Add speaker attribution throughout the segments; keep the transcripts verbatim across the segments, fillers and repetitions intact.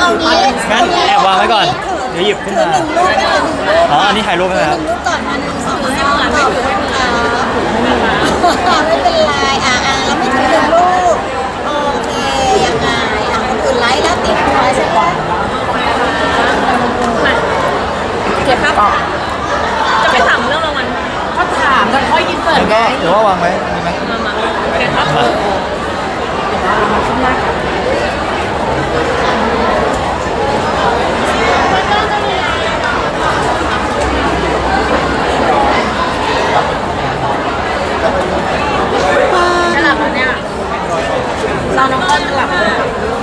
Speaker 1: เอางี้
Speaker 2: งั้นแอบวางไว้ก่อนเดี๋ยวหยิบขึ้นมา
Speaker 1: หนึ่งรูปหนึ่งรูป
Speaker 2: อ๋ออันนี้ถ่ายรูปไหมครับ
Speaker 1: หนึ่งรูปก่อนมาหนึ่งสองสามขอบคุณค่ะไม่เป็นไรอ่ะอ่ะแล้วไม่ถึงหนึ่งรูปโอเคยังไงอ่ะคนอื่นไลค์แล้วติดหัวใช่ไหม
Speaker 3: เก็บครับจะไปถามเรื่องรางวัลก็ถามแล้วค่อยอินเสิร์ต
Speaker 2: แล้ว
Speaker 3: ไง
Speaker 2: ก็เดี๋ยวว่าวางไว้มีไหม
Speaker 3: มามาโอเคครับมาขึ้นหน้ากันจะหลับแล้วเนี่ยเราน้องก้อนจะหลับแล้ว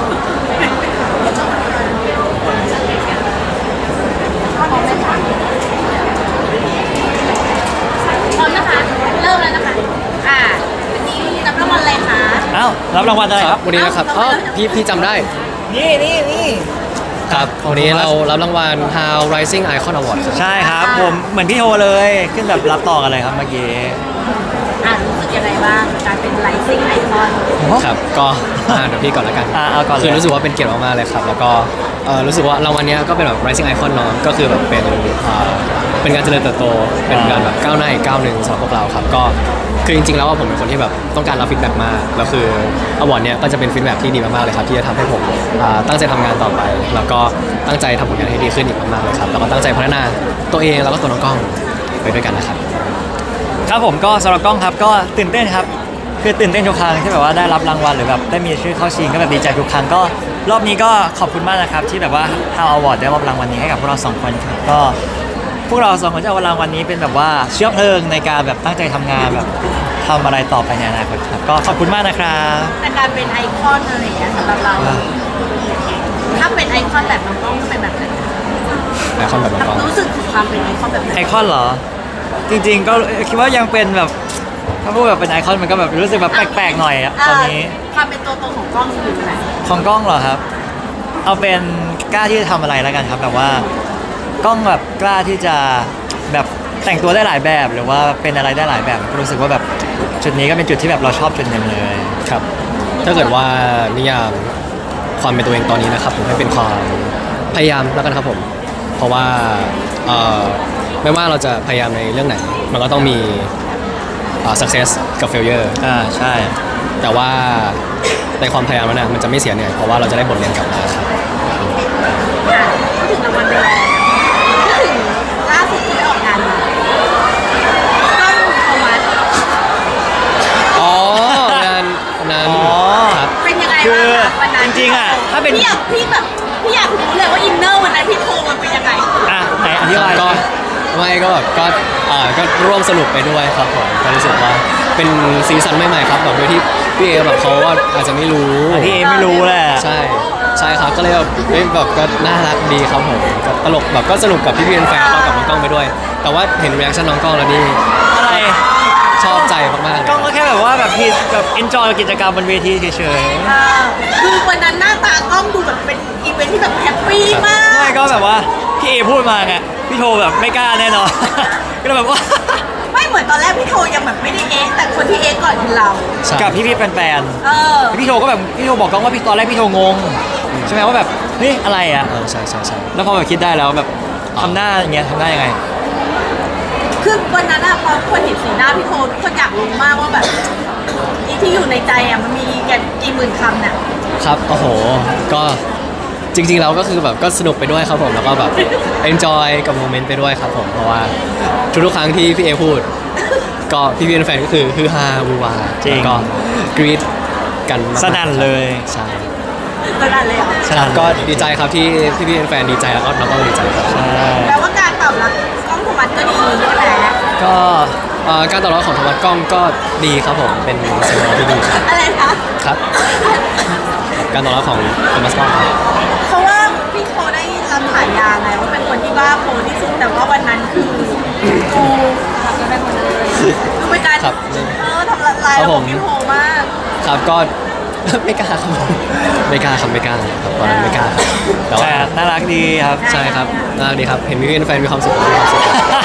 Speaker 3: พร้อมนะคะ เริ่มแล้วนะคะ อ่าวันนี้รับรางวัลอะไรคะ
Speaker 2: อ้าวรับรางวัลอะไรครับ
Speaker 4: วันนี้นะครับ
Speaker 3: เอ้า
Speaker 4: อ๋อพี่พี่จำได้
Speaker 2: นี่นี่นี่
Speaker 4: ครับวันนี้เรารับรางวัล How Rising Icon Award ครับ
Speaker 2: ใช่ครับผมเหมือนพี่โทเลยขึ้นแบบรับต่อกันเลยครับเมื่อกี้
Speaker 3: อ่ารู้สึกยังไงบ้างกับการเป็นไลซิ่งไอคอน
Speaker 4: ครับก็อ่าเดี๋ยวพี่ก่อนแล้วกัน
Speaker 2: อ่าเอาก่อนเลย
Speaker 4: คือรู้สึกว่าเป็นเกียรติมากๆเลยครับ แล้วก็เอ่อรู้สึกว่ารางวัลเนี้ยก็เป็นแบบ Rising Icon เนาะก็คือแบบเป็นอ่าเป็นการเจริญเติบโตเป็นการแบบก้าวหน้าอีกก้าวหนึ่งสำหรับพวกเราครับก็คือจริงๆแล้วว่าผมเป็นคนที่แบบต้องการรับฟีดแบ็กมากแล้วคืออวอร์ดเนี้ยก็จะเป็นฟีดแบ็กที่ดีมากๆเลยครับที่จะทำให้ผมอ่าตั้งใจทำงานต่อไป แล้วก็ตั้งใจทำผลงานให้ดีขึ้นอีกมากๆเลยครับแล้วก็ตั้งใจพัฒนาตัวเองแล้วก็ตัวน้องกล้องไปด้วยกันนะครับ
Speaker 2: ครับผมก็สำหรับกล้องครับก็ตื่นเต้นครับคือตื่นเต้นทุกครั้งที่แบบว่าได้รับรางวัลหรือแบบได้มีชื่อเข้าชิงก็แบบดีใจทุกครั้งก็รอบนี้ก็ขอบคุณมากนะครับที่แบบว่า How Award ได้มอบรางวัลนี้ให้กับพวกเราสองคนครับก็พวกเราสองคนจะเอารางวัลนี้เป็นแบบว่าเชื้อเพลิงในการแบบตั้งใจทำงานแบบทำอะไรต่อไปในอนาคตครับก็ขอบคุณมากนะครับ
Speaker 3: แต่การเป็นไอคอนอะไรอย่างเงี้ยสำหรับเรา ถ้าเป็นไอคอนแบบน้องกล้องก็เป็นแบบไหน
Speaker 4: ไอคอนแบบน้องกล้อง
Speaker 3: รู้สึกถึงความเป็นไอคอนแบบไหน
Speaker 2: ไอคอนเหรอ จริงๆก็คิดว่ายังเป็นแบบถ้าพูดแบบเป็นไอคอนมันก็แบบรู้สึกแบบแปลกๆหน่อยอะตอนนี้
Speaker 3: ความเป็นตัวตนของกล้องอยู่ไหน
Speaker 2: ของกล้องเหรอครับ เอาเป็นกล้าที่จะทำอะไรแล้วกันครับแบบว่ากล้องแบบกล้าที่จะแบบแต่งตัวได้หลายแบบ หรือว่าเป็นอะไรได้หลายแบบก็รู้สึกว่าแบบจุดนี้ก็เป็นจุดที่แบบเราชอบจุดหนึ่งเลย
Speaker 4: ครับถ้าเกิดว่านิยามความเป็นตัวเองตอนนี้นะครับผมให้เป็นความพยายามแล้วกันครับผมเพราะว่าเอ่อไม่ว่าเราจะพยายามในเรื่องไหน มันก็ต้องมีอ่า success กับ failure
Speaker 2: อ่าใช่
Speaker 4: แต่ว่าในความพยายามนั้นนะมันจะไม่เสียเหนื่อยเพราะว่าเราจะได้บทเรียนกลับมาครับ
Speaker 3: อ่ะพูดถึงรางวัลไปแล้วพูดถึงล่าสุดที่ไปออกงานมากล้องโทมัส
Speaker 4: อ๋องานนั้น
Speaker 2: อ๋อ
Speaker 4: ครับ
Speaker 3: เป็นยังไง
Speaker 2: คื
Speaker 3: บ้าง
Speaker 2: อ
Speaker 3: คะวันนั้น
Speaker 2: จริงๆอะถ้าเป็น
Speaker 3: พี่อยากพี่แบบพี่อยากรู้เลยว่าอินเนอร์วันนั้นพี่โทรมันเป็นยังไง
Speaker 2: อ่ะไหนอธิบาย
Speaker 4: ก็ไม่ก็แบบก็อ่าก็ร่วมสนุกไปด้วยครับผมก็รู้สึกว่าเป็นซีซั่นใหม่ๆครับแบบโดยที่พี่เอแบบเขาว่าอาจจะไม่รู้
Speaker 2: อ่ะพี่เอไม่รู้แหละ
Speaker 4: ใช่ใช่ครับก็เลยแบบเฮ้ยแบบก็น่ารักดีครับผมก็ตลกแบบก็สนุกกับพี่พี่แฟนๆเข้ากับน้องกล้องไปด้วย แต่ว่าเห็นรีแอคชั่นน้องกล้องแล้วนี่
Speaker 2: อะไร
Speaker 4: ชอบใจมากๆเลย
Speaker 2: กล้องก็แค่แบบว่าแบบพี่แบบ enjoy กับกิจกรรมบนเวทีเฉย
Speaker 3: เออคือวันนั้นหน้าตากล้องดูแบบเป็นอีเวนท์ที่แบบแฮปปี้มา
Speaker 2: ๆ
Speaker 3: ก
Speaker 2: ไม่ก็แบบว่าพี่เอพูดมาไงพี่โทแบบไม่กล้าแน่นอน ก็เลยแบบว่า
Speaker 3: ไม่เหมือนตอนแรกพี่โทยังแบบไม่ได้เอ๊ะแต่คนที่เอ๊ะก่อนคือเรา
Speaker 4: ใช่
Speaker 2: กับพี่พี่ๆแฟน
Speaker 3: เออ
Speaker 2: ๆพี่โทก็แบบพี่โทบอกกล้องว่าพี่ตอนแรกพี่โทงงใช่ไหมว่าแบบเฮ้ยอะไรอ่ะ
Speaker 4: เออใช่ใช่ใช่
Speaker 2: แล้วพอแบบคิดได้แล้วแบบทำหน้าอย่างเงี้ยทำหน้ายังไง
Speaker 3: คือวันนั้นอะพอคนเห็นสีหน้าพี่โททุกคนอยากรู้มากว่าแบบอีที่อยู่ในใจอะมันมีแกกี่หมื่นคำเนี่ย
Speaker 4: ครับโอ้โหก็จริงๆเราก็คือแบบก็สนุกไปด้วยครับผมแล้วก็แบบ enjoy กับโมเมนต์ไปด้วยครับผมเพราะว่าทุกๆครั้งที่พี่เอพูด ก็พี่พี่แฟนๆก็คือฮือฮาวูวา
Speaker 2: จริง
Speaker 4: แล้วก็กรี๊ดกันมากๆ
Speaker 2: สนั่นเลย
Speaker 4: ใช่
Speaker 3: ตอนนั้นเลยเหรอ
Speaker 2: สนั่น
Speaker 4: ก็ดีใจครับที่พี่พี่แฟนๆดีใจแล้วก็น้องก็ดีใจครับ
Speaker 2: ใช่
Speaker 3: แปลว่าการตอบรับกล้องโทมัสก็ดีใช่ไหม
Speaker 2: ก็
Speaker 4: เอ่อการตอบรับของโทมัสกล้องก็ดีครับผมเป็นสัญญาณที่ดีครับ
Speaker 3: อะไรคะ
Speaker 4: ครับ การตอบรับของโทมัสกล้องครับ
Speaker 3: เพราะว่าพี่โทได้รับฉายาไงว่าเป็นคนที่บ้าโพที่สุดแต่ว่าวันนั้นคือกูทำกันได้หมดเลยคือเป็นการ
Speaker 4: ครับ
Speaker 3: เออทำลายระบบพี่โทมาก
Speaker 4: ครับก็ ไม่กล้าครับผมไม่กล้าครับไม่กล้าครับตอนนั้นไม่กล้าครับแต่
Speaker 2: แต่
Speaker 4: ว่า
Speaker 2: น่ารักดีครับ
Speaker 4: ใช่ครับน่ารักดีครับ เห็นพี่แฟนมีความสุขมีความสุข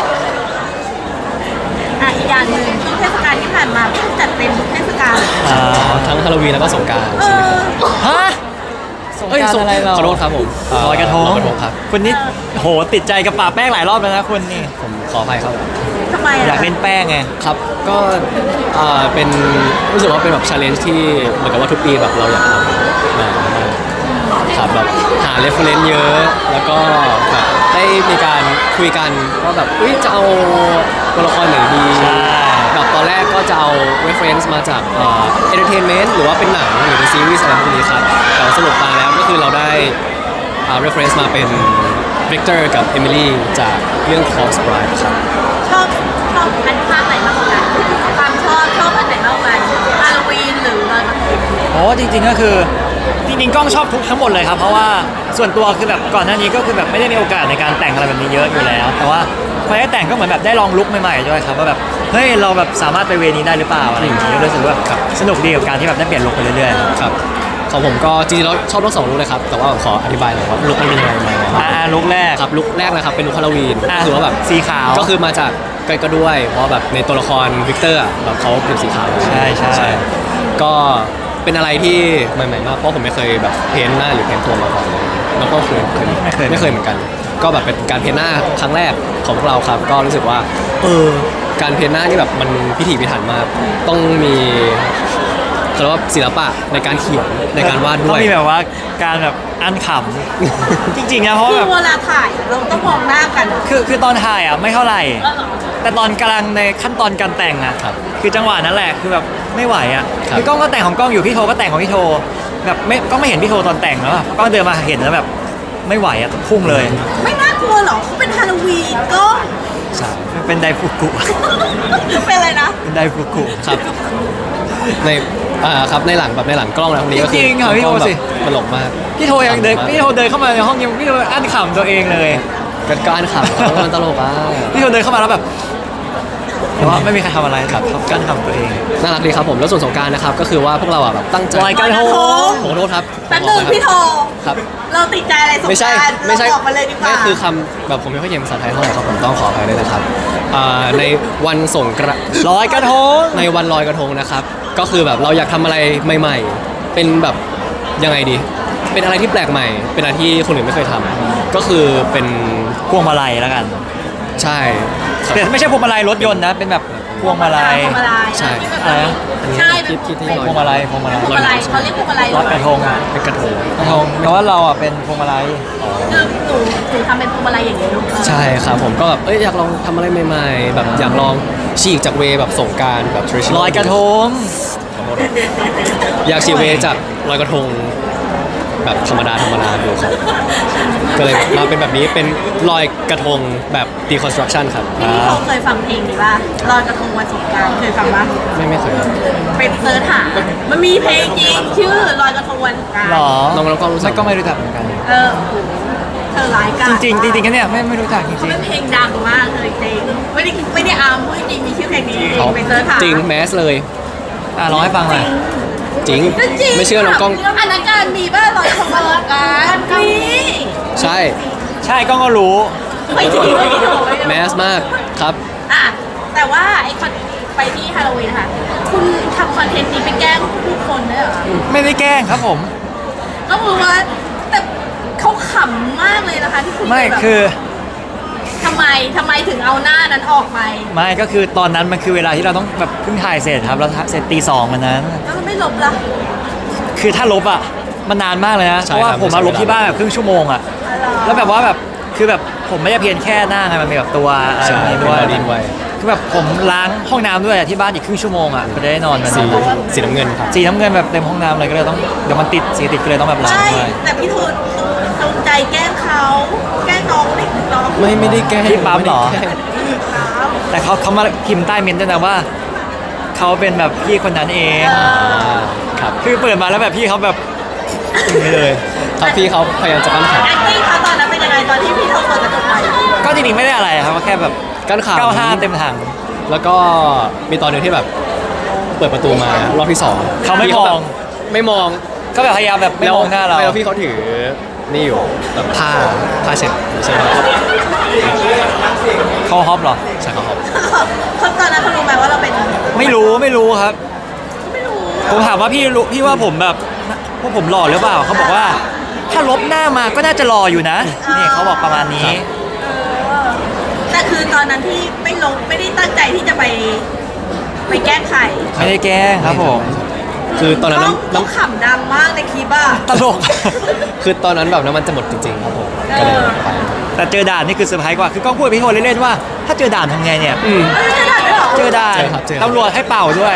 Speaker 3: อ่ะอีกอย่างหนึ่งช่วงเทศกาลที่ผ่านมาพี่จัดเต็มทุกเทศกาล
Speaker 2: อ่า
Speaker 4: ทั้งฮาโลวีนแล้วก็สงกรานต์
Speaker 3: เอ
Speaker 4: ใช่ไหม
Speaker 3: อ
Speaker 4: ครับ
Speaker 2: ฮะสง
Speaker 4: เอ้ย
Speaker 2: การ
Speaker 4: สง
Speaker 2: อะไรเรา
Speaker 4: ขอโทษครับผมเ
Speaker 2: ลอยกระทง
Speaker 4: ลอยกระทงครับ
Speaker 2: คุณนี่โหติดใจกับป่าแป้งหลายรอบแล้วนะคุณนี่
Speaker 4: ผมขออภัยครับ
Speaker 3: ทำไม
Speaker 2: อยา
Speaker 3: อ่ะ
Speaker 2: กเล่นแป้งไง
Speaker 4: ครับก็เอ่อเป็นรู้สึกว่าเป็นแบบ challenge ที่เหมือนกับว่าทุกปีแบบเราอยากทำมาครับแบบหา reference เยอะ แล้วก็แบบได้มีการคุยกันว่าแบบอุ้ยจะเอาตัวละครไหนดี
Speaker 2: ใช่
Speaker 4: แบบตอนแรกก็จะเอา reference มาจากเอ่อ entertainment หรือว่าเป็นหนังหรือเป็นซีรีส์อะไรพวกนี้ครับแต่ว่าสรุปมาแล้วก็คือเราได้อ่า reference มาเป็น Victor กับ Emily จากเรื่อง Call Sprite ครับ
Speaker 3: ชอบชอบอันภาคไหนมากกว่ากันความชอบชอบอันไหนมากกว่ากันฮาโลวีนหรือลอยกระทง
Speaker 2: โอ้จริงๆก็คือจริงๆกล้องชอบทุกทั้งหมดเลยครับเพราะว่าส่วนตัวคือแบบก่อนหน้านี้ก็คือแบบไม่ได้มีโอกาสในการแต่งอะไรแบบนี้เยอะอยู่แล้ว แต่ว่าพอได้แต่งก็เหมือนแบบได้ลองลุคใหม่ๆด้วยครับว่าแบบเฮ้ยเราแบบสามารถไปเวนี้ได้หรือเปล่าอะไรอย่างนี้ก็รู้สึกว่าแบบสนุกดีกับการที่แบบได้เปลี่ยนลุคไปเรื่อยๆครับ
Speaker 4: ครับของผมก็จริงๆแล้วชอบทั้งสองลุคเลยครับ แต่ว่าขออธิบายหน่อยว่าลุคมันเป็นยังไงมา
Speaker 2: อ่าลุคแรก
Speaker 4: ครับลุคแรกนะครับเป็นลุคฮาโลวีน
Speaker 2: อ่ะ
Speaker 4: คือว่าแบบ
Speaker 2: สีขาว
Speaker 4: ก็คือมาจากก็ก็ด้วย เพราะแบบในตัวละครวิกเตอร์อะแบบเขาเป็นสีขาว
Speaker 2: ใช่ใช่
Speaker 4: ก็เป็นอะไรที่ใหม่ๆมากเพราะผมไม่เคยแบบเพ้นท์หน้าหรือเพ้นท์ตัวมาก่อนเลยแล้วก็เคยเคย
Speaker 2: ไม่เคย
Speaker 4: ไม่เคยเหมือนกัน ก็แบบเป็นการเพ้นท์หน้าครั้งแรกของพวกเราครับ ก็รู้สึกว่าเออการเพ้นท์หน้านี่แบบมันพิถีพิถันมากต้องมีเขาเรียกว่าศิลปะในการเขียนในการวาดด้
Speaker 2: ต้
Speaker 4: ว
Speaker 2: อย งมีแบบว่าการแบบอันขำ จริงๆนะเพราะ
Speaker 3: คื
Speaker 2: ว่า
Speaker 3: อ
Speaker 2: แบบ
Speaker 3: เวลาถ่ายอะเราต้องมองหน้ากัน
Speaker 2: คือคือตอนถ่ายอ่ะไม่เท่าไหร่
Speaker 3: แล้วเหรอ
Speaker 2: แต่ตอนกำลังในขั้นตอนการแต่งอ่ะ
Speaker 4: ครับ
Speaker 2: คือจังหวะนั้นแหละคือแบบไม่ไหวอ่ะ
Speaker 4: ครับ
Speaker 2: คือกล้องก็แต่งของกล้องอยู่พี่โทก็แต่งของพี่โทแบบไม่ก็ไม่เห็นพี่โทตอนแต่งแล้วอะกล้องเดินมาเห็นแล้วแบบไม่ไหวอ่ะพุ่งเลย
Speaker 3: ไม่น่ากลัวหรอเขาเป็นฮาโลวีนก็
Speaker 4: ใช่
Speaker 2: เป็นไดฟุกุ
Speaker 3: เป็นอะไรนะ
Speaker 2: เป็นไดฟุกุ
Speaker 4: ครับในอ่าครับในหลังแบบในหลังกล้องนะพวกนี้ก็คื
Speaker 2: จริงๆค่ะพี่โท
Speaker 4: กล้องแบบ
Speaker 2: สิ
Speaker 4: ตลกมาก
Speaker 2: พี่โทยังเดินพี่โทเดินเข้ามาในห้องยังพี่โทอั้นขำตัวเองเลย
Speaker 4: เป็นการขับเขามันตลกอ่ะ
Speaker 2: พี่โทเดินเข้ามาแล้วแบบแต่ว่าไม่มีใครทำอะไรครับเขากั้นขำตัวเอง
Speaker 4: น่ารักดีครับผมแล้วส่วนสงกรารนะครับก็คือว่าพวกเราอ่ะแบบตั้งใจ
Speaker 2: ลอยกระทง
Speaker 4: ขอโทษครับ
Speaker 3: แป๊บนึงพี่โท
Speaker 4: ครับ
Speaker 3: เราติดใจอะไรสง
Speaker 4: ไม่ใช่
Speaker 3: กรานต์
Speaker 4: ไม่ใช่
Speaker 3: เราบอกมาเลยดีกว่า
Speaker 4: ไม่คือคำแบบผมไม่ค่อยเก่งภาษาไทยเท่าไหร่ครับผมต้องขออภัยด้วยนะครับอ่าในวันสงกรานต์
Speaker 2: ลอยกระทง
Speaker 4: ในวันลอยกระทงนะครับ ก็คือแบบเราอยากทำอะไรใหม่ๆ เป็นแบบยังไงดี เป็นอะไรที่แปลกใหม่ เป็นอะไรที่คนอื่นไม่เคยทำก็คือเป็น
Speaker 2: พวงมาลัยแล้วกัน
Speaker 4: ใช่ครับ
Speaker 2: แต่ไม่ใช่พวงมาลัยรถยนต์นะเป็นแบบพวงมาลัย
Speaker 3: พวงมาลัย
Speaker 4: ใช่
Speaker 2: อะไรนะ
Speaker 3: ใช่
Speaker 4: คิดคิดที่ลอย
Speaker 2: พวงมาลัยพวงมาลัย
Speaker 3: พวงมาลัยเขาเรียกพวงมาลัย
Speaker 2: ลอยกระทงอ่ะ
Speaker 4: เป็นกระทง
Speaker 2: กระทงแต่ว่าเราอ่ะเป็นพวงมาลัย
Speaker 3: คือหนูหนูทำเป็นพวงมาลัยอย่างนี้ลูก
Speaker 4: ใช่ครับผมก็แบบเอ้ยอยากลองทำอะไรใหม่ๆ แบบอยากลองฉีกจากเวย์แบบสงกรารแบบ traditional
Speaker 2: ลอยกระทง
Speaker 4: ขอโทษครับอยากฉีกเวย์จากลอยกระทงแบบธรรมดาธรรมดาดูครับก็เลยมาเป็นแบบนี้เป็นลอยกระทงแบบ deconstruction ครับ
Speaker 3: พี่เขาเคยฟังเพลงนี้ป่ะลอยกระทงวันสงกรานต์เคยฟังป่ะ
Speaker 4: ไม่ไม่เคยครับ
Speaker 3: เป็นเซิร์ชหามันมีเพลงจริงชื่อลอยกระทงวันสงกรานต์
Speaker 2: หรอ
Speaker 4: น้องน้องก็รู้สึ
Speaker 2: ไม่
Speaker 4: ก
Speaker 2: ก็ไม่รู้จักเหมือนกัน
Speaker 3: เออโอ้โหเธอร้ายกา
Speaker 2: จ
Speaker 3: จ
Speaker 2: ริงๆจริงๆกันเนี่ยไม่ไม่รู้จักจริง
Speaker 3: เป็นเพลงดังมากเลยจริงไม่ได้ไม่ได้อาร์มพูดจริงมีชื่อเพลงนี้จริง
Speaker 4: เขา
Speaker 3: เป็นเซิร์ชหา
Speaker 4: จริงแมสเลย
Speaker 2: ๆอ่ะร้องให้ฟังหน่อย
Speaker 4: จริง
Speaker 3: ก็จริง
Speaker 4: ไม่เชื่อน้องกล้อง
Speaker 3: อันนั้นการมีป่ะลอยกระทงวันสงกรานต์มี
Speaker 4: ใช่
Speaker 2: ใช่กล้องก็รู้
Speaker 3: ไม่จริงไม่จริง
Speaker 4: แมสมากครับ
Speaker 3: อ่ะแต่ว่าไอคอนไปที่ฮาโลวีนนะคะคุณทำคอนเทนต์นี้ไปแกล้งผู้คนด้วยเหรอคะ
Speaker 2: ไม่ได้แกล้งครับผม
Speaker 3: ก็คือว่าแต่เขาขำมากเลยนะคะที่คุณ
Speaker 2: ไม่
Speaker 3: แบบ
Speaker 2: คือ
Speaker 3: ทำไมทำไมถึงเอาหน้านั้นออกไป
Speaker 2: ไม่ก็คือตอนนั้นมันคือเวลาที่เราต้องแบบเพิ่งถ่ายเสร็จครับเราเสร็จตีสองวันนั้น
Speaker 3: แล้วมันไม่ลบล่ะ
Speaker 2: คือถ้าลบอ่ะมันนานมากเลยนะ
Speaker 4: ใช่
Speaker 2: เพราะว่า
Speaker 4: ครับ
Speaker 2: ผมมาลบที่บ้านแบบครึ่งชั่วโมงอ่ะ
Speaker 3: อะไรอ
Speaker 2: แล้วแบบว่าแบบคือแบบผมไม่ได้เพียงแค่หน้าไงมันมีแบบตัวอะไร
Speaker 4: ใช่
Speaker 2: แบบนี้
Speaker 4: เป็น
Speaker 2: ด้วย
Speaker 4: บอดี้ไว้
Speaker 2: คือแบบผมล้างห้องน้ำด้วยอะที่บ้านอีกครึ่งชั่วโมงอ่ะก็จะได้นอนมัน
Speaker 4: สีสีน้ำเงินครับ
Speaker 2: สีน้ำเงินแบบเต็มห้องน้ำเลยก็เลยต้องเดี๋ยวมันติดสีติดก็เลยต้องแบบล้าง
Speaker 3: ใช่
Speaker 2: ด้วย
Speaker 3: แต่พี่ทูนจงใจแกล้งเขาแกล้งน้องเด็กน้อง
Speaker 4: ไม่ไม่ได้แกล้ง
Speaker 2: ที่ปั๊มเหรอ
Speaker 4: ไได้แกล้ง
Speaker 3: ครับ
Speaker 2: แต่เขาเขามาพิมพ์ใต้เมนต์ด้วยนะว่าเขาเป็นแบบพี่คนนั้นเอง
Speaker 3: เอ
Speaker 4: อ่า
Speaker 3: อ
Speaker 4: ครับ
Speaker 2: คือเปิดมาแล้วแบบพี่เขาแบบอย่างนี้เลย
Speaker 4: ครับพี่เขาพยายามจะกั้นขา
Speaker 3: แอคติ้งเขาตอนนั้นเป็นยังไงตอนที่พี่ทูนเปิดกระจกไป
Speaker 2: ก็จริงๆไม่ได้อะไรครับก็แค่แบบ
Speaker 4: กั้นขา
Speaker 2: เก้าห้าเต็มถัง
Speaker 4: แล้วก็มีตอนหนึงที่แบบเปิดประตูมารอบที่สอง
Speaker 2: เขาไม่
Speaker 4: พี่
Speaker 2: มอง
Speaker 4: แบบไม่มอง
Speaker 2: ก็แบบพยายามแบบไม่มองหน้าเรา
Speaker 4: แล้วพี่เขาถือนี่อยู่แบบผ้าผ้าเช็ดใช่ไหมครับ
Speaker 2: เขาฮอปเหรอ
Speaker 4: ใช่ครับ
Speaker 3: เขาตอนนั้นเขารู้ไหมว่าเราเป็น
Speaker 2: ไม่รู้ไม่รู้ครับ
Speaker 3: ไม่รู้
Speaker 2: ผมถามว่าพี่รู้พี่ว่าผมแบบพวกผมหล่อหรือเปล่าเขาบอกว่าลบหน้ามาก็น่าจะรออยู่นะนี่เขาบอกประมาณนี้
Speaker 3: เออแต่คือตอนนั้นที่ไม่ลงไม่ได้ตั้งใจที่จะไปไปแก้ไข
Speaker 2: ไม่ได้แกล้งครับผม
Speaker 4: คือตอนนั้น
Speaker 3: ต้อง
Speaker 4: น้ำ
Speaker 3: ต้อง
Speaker 4: น้ำ
Speaker 3: ขำดังมากในคลิปอ่ะ
Speaker 2: ตลก
Speaker 4: คือตอนนั้นแบบน้ำมันจะหมดจริงๆครับผมก็เลยไป
Speaker 2: แต่เจอด่านนี่คือเซอร์ไพรส์กว่าคือกล้องพูดกับพี่โทเล่นๆว่า ถ้าเจอด่านทำไงเนี่ย
Speaker 4: อืม
Speaker 3: เออจะได้ด้วยเหรอ
Speaker 2: เจอด่าน
Speaker 4: เจอครับเจอครับ
Speaker 2: ตำรวจให้เป่าด้วย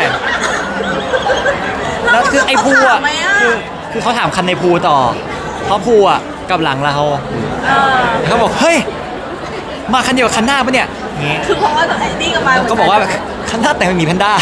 Speaker 2: แล้วคือไอ้ภูอ่ะ
Speaker 3: เขาถามไหมอะ
Speaker 2: คือคือเขาถามคันในภูต่อเพราะภูอ่ะกลับหลังเรา
Speaker 3: เออ
Speaker 2: เขาบอกเฮ้ยมาคันเดียวกับคันหน้าปะเนี่ยอย่างงี้
Speaker 3: คือเพราะว่าไอ้นี่ก็มาเหมืน
Speaker 2: ก็บอกว่าคันหน้าแต่งเป็นหมีแพนด้า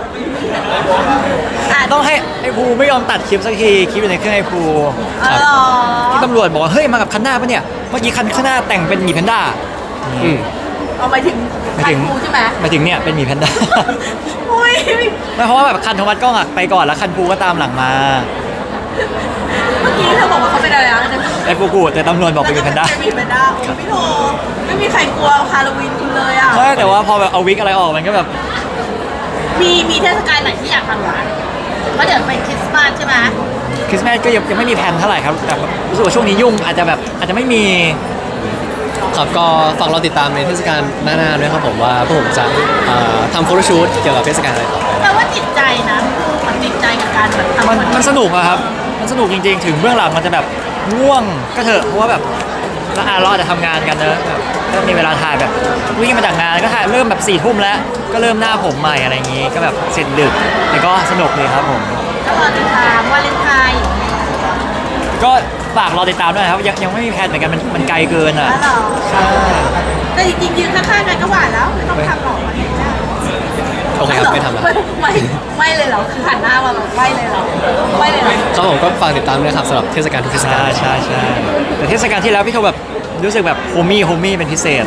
Speaker 3: อ่ะ
Speaker 2: ต้องให้ไอ้ภูไม่ยอมตัดคลิปสักทีคลิปอยู่ในเครื่องไอ้ภู
Speaker 3: เออเหรอ
Speaker 2: ที่ตำรวจบอกว่าเฮ้ยมากับคันหน้าปะเนี่ยเมื่อกี้คันข้างหน้าแต่งเป็นหมีแพนด้า
Speaker 4: อืม
Speaker 3: เอาไปถึง
Speaker 2: หมายถึง
Speaker 3: คันกูใช่ไหม
Speaker 2: หมายถึงเนี่ยเป็นหมีแพนด้า
Speaker 3: อุ้ย
Speaker 2: ไม่เพราะว่าแบบคันโทมัสกล้องอะไปก่อนแล้วคันภูก็ตามหลังมา
Speaker 3: เมื่อกี้เธอบอกว่าเขาเป็นอะไรนะ
Speaker 2: ไอ้ปูกูแต่ตำรวจบอกเป็นหมีแพนด้า
Speaker 3: เป็นหมีแพนด้าโอ้ยพี่โทไม่มีใครกลัวฮาโลวีนคุณเลยอ่ะ
Speaker 2: ใช่แต่ว่าพอแบบเอาวิกอะไรออกมันก็แบบ
Speaker 3: มีมีเทศกาลไหนที่อยากทำหรอเพราะเดี๋ยวเป็นคริสต์มาสใช่ไหม
Speaker 2: คริสต์มาสก็ยังยังไม่มีแผนเท่าไหร่ครับแต่รู้สึกว่าช่วงนี้ยุ่งอาจจะแบบอาจจะไม่มี
Speaker 4: ครับก็ฝากเราติดตามในเทศกาลหน้าๆด้วยครับผมว่าพวกผมจะเอ่อทำโฟโต้ชูตเกี่ยวกับเทศกาลอะไรต่อไป
Speaker 3: แปลว่าจิตใจนะมันจิตใจกับการแบบทำ
Speaker 2: มัน
Speaker 3: คอนเท
Speaker 2: มัน
Speaker 3: นต์
Speaker 2: สนุกอะครับ มันสนุกจริงๆ ถึงเบื้องหลังมันจะแบบง่วงก็เถอะ เพราะว่าแบบเราอ่ะเราอาจจะทำงานกันเนอะแบบก็มีเวลาถ่ายแบบวิ่งมาจากงานก็ถ่ายเริ่มแบบสี่ทุ่มแล้ว ก็เริ่มหน้าผมใหม่อะไรอย่างงี้ ก็แบบเสร็จดึกแต่ก็สนุกเลยครับผม
Speaker 3: ก็รอติดตามวาเลนไทน์
Speaker 2: ก็ฝากรอติดตามด้วยนะครับยังยังไม่มีแผนเหมือนกันมันมันไกลเกินอ่ะ
Speaker 3: แล้วเหรอ
Speaker 2: ใช่
Speaker 3: แต่จริงๆยืนข้างๆกันก็หวานแล้วไม่ต้องทำหรอก
Speaker 4: โอเคครับไม่ทำแล้ว
Speaker 3: ไม่ไม่ไม่เลยเหรอคือหันหน้ามาแบบไม่เลยเหรอไม่เลยเหรอ
Speaker 4: ครับผมก็ฝากติดตามด้วยครับสำหรับเทศกาลทุกเทศกา
Speaker 2: ใช่
Speaker 4: ล
Speaker 2: ใช่ใช่แต่เทศกาลที่แล้วพี่โทแบบรู้สึกแบบโฮมี่โฮมี่เป็นพิเศษ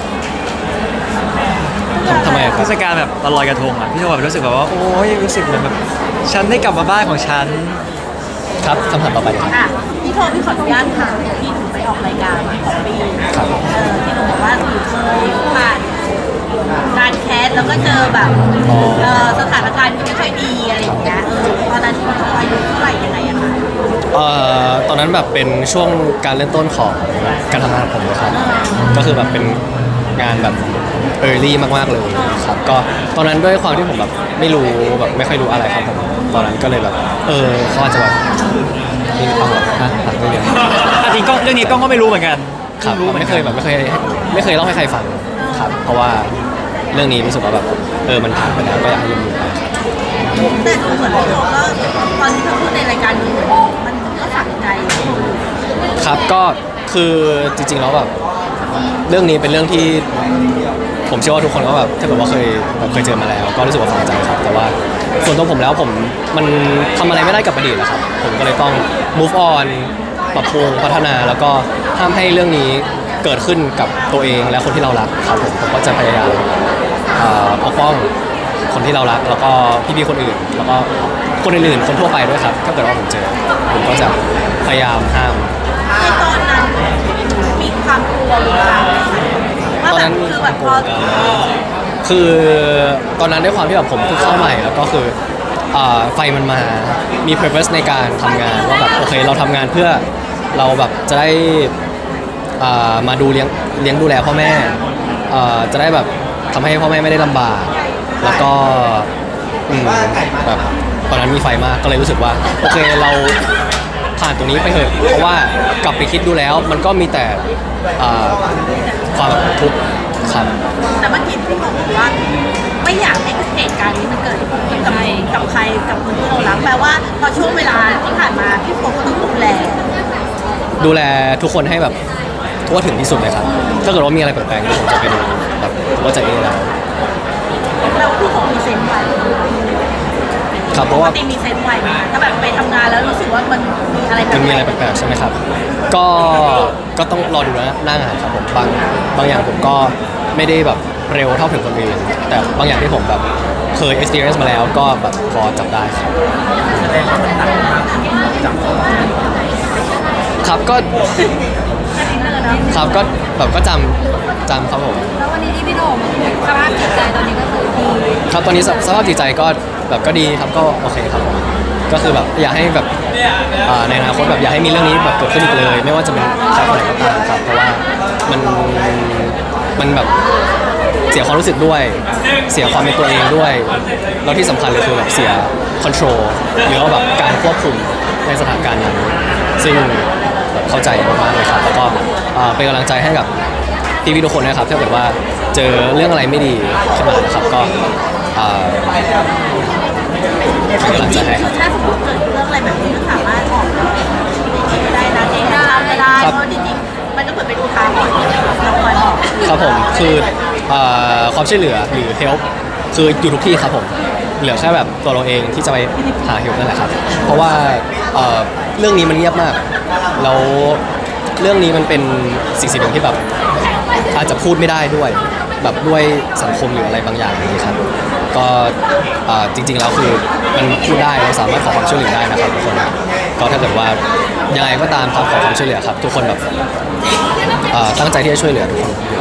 Speaker 4: ทำทำไมอะค
Speaker 2: เท
Speaker 4: รับ
Speaker 2: ศกาลแบบตอนลอยกระทงอ่ะพี่โทแบบรู้สึกแบบว่าโอ้ยรู้สึกเหมือนแบบฉันได้กลับมาบ้านของฉัน
Speaker 4: ครับคำถามต่อไปเลยครับ
Speaker 3: อ่ะพี่โทพี่ขออนุญาตถามพี่หนูไปออกรายการของปี
Speaker 4: ครับ
Speaker 3: เออที่หนูบอกว่าหนูเคยผ่านการแคสแล้วก็เจอแบบเออสถานการณ์ที่ไม่ค่อยดีอะไรอย่างเงี้ยเออตอนนั้นพี่โทอายุเท่าไหร่ยังไงอะคะ
Speaker 4: เอ่อตอนนั้นแบบเป็นช่วงการเริ่มต้นของการทำงานของผมเลยครับก็คือแบบเป็นงานแบบ early มากๆเลยครับก็ตอนนั้นด้วยความที่ผมแบบไม่รู้แบบไม่ค่อยรู้อะไรครับผมตอนนั้นก็เลยแบบเออเขาอาจจะแบบมีความแบบฮะแบบไม่เรียน
Speaker 2: อ่ะจริงก็เรื่องนี้กล้องก็ไม่รู้เหมือนกัน
Speaker 4: ครับ
Speaker 2: รู้หอน
Speaker 4: ไม่
Speaker 2: กัน
Speaker 4: เคยแบบไม่เคยไม่เคยเล่าให้ใครฟังครับ เพราะว่าเรื่องนี้รู้สึกว่าแบบเออมันผ่านไปแล้วก็อยากให้ยืมอยู่ไป
Speaker 3: แต่ดูเหมือนพี่โทก็ตอนที่เขาพูดในรายการดูเหมือนมันก็ฝังใจ
Speaker 4: ครับก็คือจริงๆแล้วแบบเรื่องนี้เป็นเรื่องที่ผมเชื่อว่าทุกคนก็แบบถ้าแบบว่าเคยแบบเคยเจอมาแล้ว ก็รู้สึกว่าฝังใจครับ แต่ว่าส่วนตัวผมแล้วผมมันทำอะไรไม่ได้กับอดีตนะครับ ผมก็เลยต้อง move on ปรับปรุงพัฒนาแล้วก็ห้ามให้เรื่องนี้เกิดขึ้นกับตัวเองและคนที่เรารักครับผมผมก็จะพยายามเอ่อปกป้องคนที่เรารัก แล้วก็พี่ๆคนอื่น แล้วก็คนอื่นๆคนทั่วไปด้วยครับถ้าเกิดว่าผมเจอ ผมก็จะพยายามห้าม
Speaker 3: ในตอนนั้นมีความกลัวหรือเปล่าว่า
Speaker 4: ตอน
Speaker 3: แบ
Speaker 4: นั้
Speaker 3: บ
Speaker 4: น
Speaker 3: คือแบบพอ
Speaker 4: คือตอนนั้นด้วยความที่แบบผมเพิ่งเข้าใหม่แล้วก็คืออ่าไฟมันมา มี purpose ในการทำงานว่าแบบโอเคเราทำงานเพื่อเราแบบจะได้อ่ามาดูเลี้ยงเลี้ยงดูแลพ่อแม่อ่าจะได้แบบทำให้พ่อแม่ไม่ได้ลำบาก แล้วก็อืมแบบตอนนั้นมีไฟมากก็เลยรู้สึกว่าโอเคเราผ่านตรงนี้ไปเถอะเพราะว่ากลับไปคิดดูแล้วมันก็มีแต่อ่าความทุกข์ครับ
Speaker 3: แต่เมื่อกี้พี่บอกว่าไม่อยากให้เหตุการณ์นี้มันเกิดขึ้นกับกับใครกับคนที่เรารักแปลว่าพอช่วงเวลาที่ผ่านมาพี่โฟก็ต้องดูแล
Speaker 4: ดูแลทุกคนให้แบบทั่วถึงที่สุดเลยครับ ถ้าเกิดว่ามีอะไรแปลกๆผมจะไปดูแบบผมก็จะเองแล้ว
Speaker 3: แปลว่าพี่โฟมีเซนส์ไว
Speaker 4: ครับเพ
Speaker 3: ป
Speaker 4: ราะ
Speaker 3: ก
Speaker 4: ว่า
Speaker 3: ติมีเซนส์ไวไหมถ้าแบบไปทำงานแล้วรู้สึกว่ามันมีอะไรแปล
Speaker 4: มันมีอะไร
Speaker 3: ก
Speaker 4: แปลกๆใช่ไหมครับ ก็ก็ต้องรอดูนะหน้างานครับผมบางบางอย่างผมก็ไม่ได้แบบเร็วเท่าถึงคนอื่นแต่บางอย่างที่ผมแบบเคย experience มาแล้วก็แบบพอจับได้ครับครับก็
Speaker 3: ๆแค่นี้เลยนะครับ
Speaker 4: ก็แบบก็จำจำครับผม
Speaker 3: แล้ววันนี้ที่พี่โดมสภาพจิตใจตอนนี้ก็คือดี
Speaker 4: ครับตอนนี้สสภาพจิตใจก็แบบก็ดีครับก็โอเคครับผมก็คือแบบอยากให้แบบอ่าในอนาคตแบบอยากให้มีเรื่องนี้แบบเกิดขึ้นอีกเลย ไม่ว่าจะเป็นใครคนไหนก็ตามครับเพราะว่ามันมันแบบเสียความรู้สึกด้วย เสียความเป็นตัวเองด้วยแล้วที่สำคัญเลยคือแบบเสียคอนโทรลหรือว่าแบบการควบคุมในสถานการณ์นั้นซึ่งแบบเข้าใจมากๆเลยครับแล้วก็อ่าเป็นกำลังใจให้กับพี่พี่ๆทุกคนนะครับถ้าเกิดว่าเจอเรื่องอะไรไม่ดีขึ้นมานะครับก็อ่าเป็นกำลัง
Speaker 3: จ
Speaker 4: ใจ
Speaker 3: ริง
Speaker 4: ให้
Speaker 3: ๆ
Speaker 4: ค
Speaker 3: คื
Speaker 4: รับ
Speaker 3: อถ้าสมมติเกิดเรื่องอะไรแบบนี้ก็สามารถออกมาได้นะเองได้ไม่ได้
Speaker 4: ครับ
Speaker 3: เพราะจริงๆมันก็เหมือนเป็นอุทาหรณ์เราควรออก
Speaker 4: ครับผมคือเอ่อความช่วยเหลือหรือ help คืออยู่ทุกที่ครับผมเหลือแค่แบบตัวเราเองที่จะไปหา help นั่นแหละครับเพราะว่าเอ่อเรื่องนี้มันเงียบมากแล้วเรื่องนี้มันเป็นสิ่งสิ่งหนึ่งที่แบบอาจจะพูดไม่ได้ด้วยแบบด้วยสังคมหรืออะไรบางอย่างอย่างนี้ครับก็เอ่อจริงๆแล้วคือมันพูดได้เราสามารถขอความช่วยเหลือได้นะครับทุกคนก็ถ้าเกิดว่ายังไงก็ตามครับขอความช่วยเหลือครับทุกคนแบบเอ่อตั้งใจที่จะช่วยเหลือทุกคนอยู่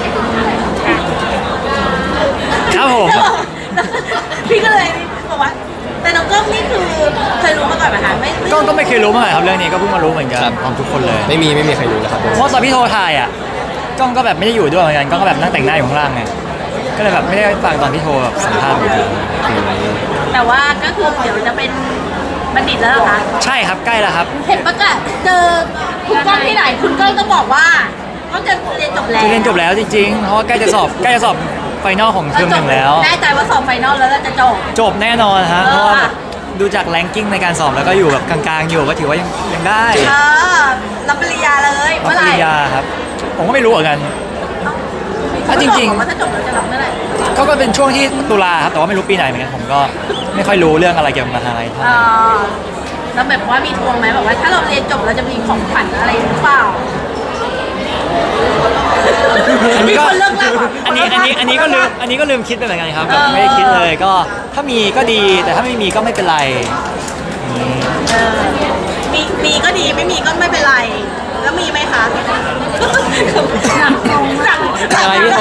Speaker 4: แล้ว
Speaker 2: ครับผม
Speaker 3: พี่ก็เลยบอกว่าแต่น้องก้องนี่คือเคยรู้มาก่อนไหมคะไม่ไม่
Speaker 2: ก็ก็ไม่เคยรู้มาก่อนครับเรื่องนี้ก็เพิ่งมารู้เหมือนกันของทุกคนเลย
Speaker 4: ไม่มีไม่มีใครรู้เลยครับ
Speaker 2: เพราะตอนพี่โทรถ่ายอ่ะกล้องก็แบบไม่ได้อยู่ด้วยเหมือนกันกล้องก็แบบนั่งแต่งหน้าอยู่ข้างล่างไงก็เลยแบบไม่ได้ฟังตอนพี่โทรแบบสัมภาษณ์อยู่ดี
Speaker 3: แต่ว่าก็คือเดี๋ยวจะเป็นบัณฑิตแล้วเหรอคะ
Speaker 2: ใช่ครับใกล้แล้วครับ
Speaker 3: เห็นประกาศเจอคุณก้องที่ไหนคุณก้องก็บอกว่าเขาจะเรียนจบแล้ว
Speaker 2: จะเรียนจบแล้วจริงๆ เพราะว่าใกล้จะสอบใกล้จะสอบไฟนอลของเทอมหนึ่งแล้ว
Speaker 3: แน่ใจว่าสอบไฟนอลแล้วเราจะจบ
Speaker 2: จบแน่นอนฮะ
Speaker 3: เออ
Speaker 2: เพราะว่าแบบดูจากแรงกิ้งในการสอบแล้วก็อยู่แบบกลางๆอยู่ก็ถือว่ายังยังได้
Speaker 3: เออรับปริญญาเลย
Speaker 2: รับ
Speaker 3: เมื่อ
Speaker 2: ป
Speaker 3: ไหร่
Speaker 2: ริญญาครับ ผมก็ไม่รู้เหมือนกัน
Speaker 3: เขา
Speaker 2: อ่ะจริงๆ
Speaker 3: บอกว่าถ้าจบแล้วจะรับเมื่อไหร่
Speaker 2: ก็ก็เป็นช่วงที่ตุลาครับแต่ว่าไม่รู้ปีไหนเหมือนกันผมก็ไม่ค่อยรู้เรื่องอะไรเกี่ยวกับมหาลัยเท่าไห
Speaker 3: เอ
Speaker 2: ร่
Speaker 3: อแล้วแบบว่ามีทวงไหมแบบว่าถ้าเราเรียนจบเราจะมีของขวัญอะไรหรือเปล่า
Speaker 2: อันนี้ก็
Speaker 3: มีคนเลิกแล้วเหรอ
Speaker 2: อันนี้อันนี้อันนี้ก็ลืมอันนี้ก็ลืมคิดไปเหมือนกันครับแบบ
Speaker 3: เออ
Speaker 2: ไม่ได้คิดเลยก็ถ้ามีก็ดีแต่ถ้าไม่มีก็ไม่เป็นไรอืม
Speaker 3: เออมีมีก็ดีไม่มีก็ไม่เป็นไร แล้วมีไหมคะหนักลงหนัก
Speaker 2: เป็นอะไรพี่โท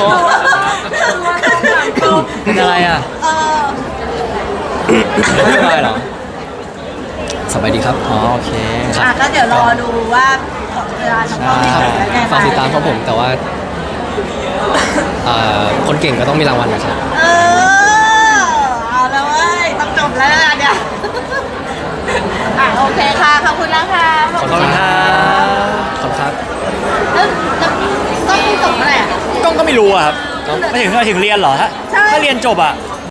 Speaker 2: เป็นอะไรอ่ะ
Speaker 3: เออ
Speaker 2: ไม่เป็นไรเหรอ
Speaker 4: สบายดีครับ
Speaker 2: อ๋อโอเค
Speaker 3: อ่ะก็เดี๋ยวรอดูว่าเวลาน้องก้องที่
Speaker 2: ใช่
Speaker 3: ไหนแล้วไง
Speaker 4: ฝากติดตามของผมแต่ว่าอ่าคนเก่งก็ต้องมีรางวัลนะครับ
Speaker 3: เออเอาแล้วเว้ยต้องจบแล้วนะเนี่ยอ่ะโอเคค่ะขอบคุณนะคะ
Speaker 2: ขอบคุณครับ
Speaker 4: ขอบคุณครับ
Speaker 3: แล้วแล้วต้องจบเมื่อไหร่อ่ะ
Speaker 2: กล้องก็ไม่รู้อะครับไม่ถึงไม่ถึงเรียนเหรอถ้า
Speaker 3: ใช่
Speaker 2: ถ้าเรียนจบอะ